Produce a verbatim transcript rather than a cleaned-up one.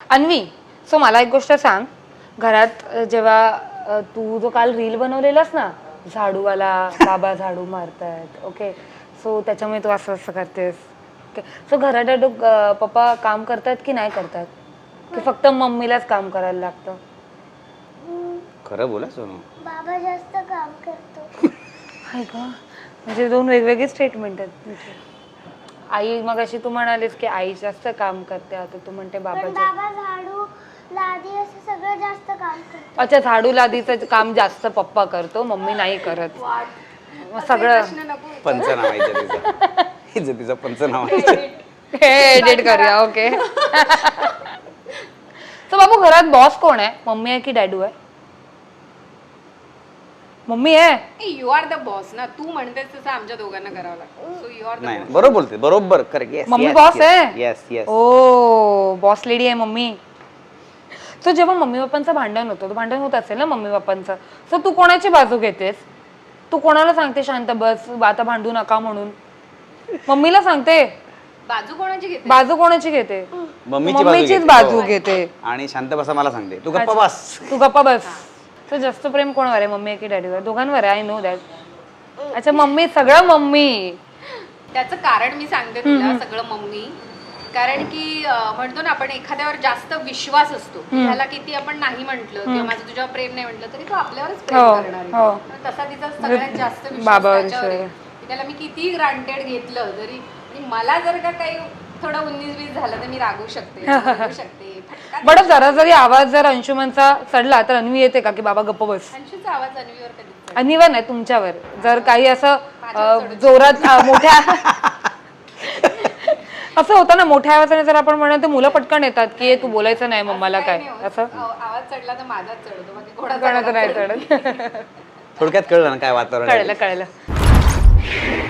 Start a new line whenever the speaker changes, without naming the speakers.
Anvi, so मला एक गोष्ट सांग, घरात जेव्हा तू जो काल रील बनवलेलास ना, झाडूवाला बाबा झाडू मारतायत, ओके, सो त्याच्यामुळे तू असं असं करतेस, ओके, सो घरात पप्पा काम करतात की नाही करतात, की फक्त मम्मीलाच काम करायला लागतं?
खरं बोला सोनू,
बाबा जास्त काम करतो.
आहे का? म्हणजे दोन वेगवेगळे स्टेटमेंट आहेत तुझे. आई मग अशी तू म्हणालीस की आई जास्त काम करते, आता तू म्हणते बाबा
पण बाबा झाडू लादी असं सगळं जास्त काम करतो.
अच्छा, झाडू लादीचं काम जास्त पप्पा करतो, मम्मी नाही करत. मग सगळं
पंचनामा आहे इज्जतीचा. इज्जतीचा पंचनामा आहे.
हे एडिट करूया. ओके. तर बाबू घरात बॉस कोण आहे, मम्मी आहे की डॅडू आहे? मम्मी आहे.
यू आर द बॉस ना, तू म्हणतेस तसं आमच्या दोघांना करावं लागतं. सो यू आर द
नाही बरोबर बोलते, बरोबर करेक्ट. येस
मम्मी बॉस आहे.
Yes yes.
Oh boss lady आहे मम्मी. सो जेव्हा मम्मी पप्पांचं भांडण होतं, भांडण होत असेल ना मम्मी पप्पांचं, सो तू कोणाची बाजू घेतेस? तू कोणाला सांगते शांत बस, आता भांडू नका म्हणून? मम्मीला सांगते.
बाजू कोणाची घेते?
बाजू कोणाची घेते?
मम्मीची
मम्मीचीच बाजू घेते.
आणि शांत बसा मला सांगते, तू गप्पा बस.
तू गप्पा बस. तर जास्त प्रेम कोणावर आहे, मम्मी की डॅडीवर? दोघांवर आहे, आय नो दॅट. अच्छा, मम्मी, सगळं मम्मी.
त्याचं कारण मी सांगते तुला, सगळं मम्मी. कारण की म्हणतो ना आपण, एखाद्यावर जास्त विश्वास असतो, त्याला किती आपण नाही म्हटलं किंवा माझं तुझ्यावर प्रेम नाही म्हटलं तरी तो आपल्यावरच प्रेम करणार आहे. तसा तिचा सगळ्यात जास्त विश्वास त्याच्यावर आहे. त्याला मी किती ग्रांटेड घेतलं तरी, मला जर का काही थोडं उन्नीस वीस झालं तर मी रागू शकते, रागू शकते.
बट जरा जरी आवाज जर अंशुमनचा चढला तर अन्वी येते का की बाबा गप्प बस?
अंशूचा आवाज अन्वीवर कधी?
अन्वीवर नाही, तुमच्यावर. जर काही असं जोरात मोठ्या असं होतं ना, मोठ्या आवाजाने जर आपण म्हणत तर मुलं पटकन येतात की तू बोलायचं नाही मम्माला काय, असं
आवाज चढला तर माझाच चढतो, बाकी
कोणाचं नाही चढत.
थोडक्यात कळलं ना काय वातावरण आहे.
कळलं कळलं.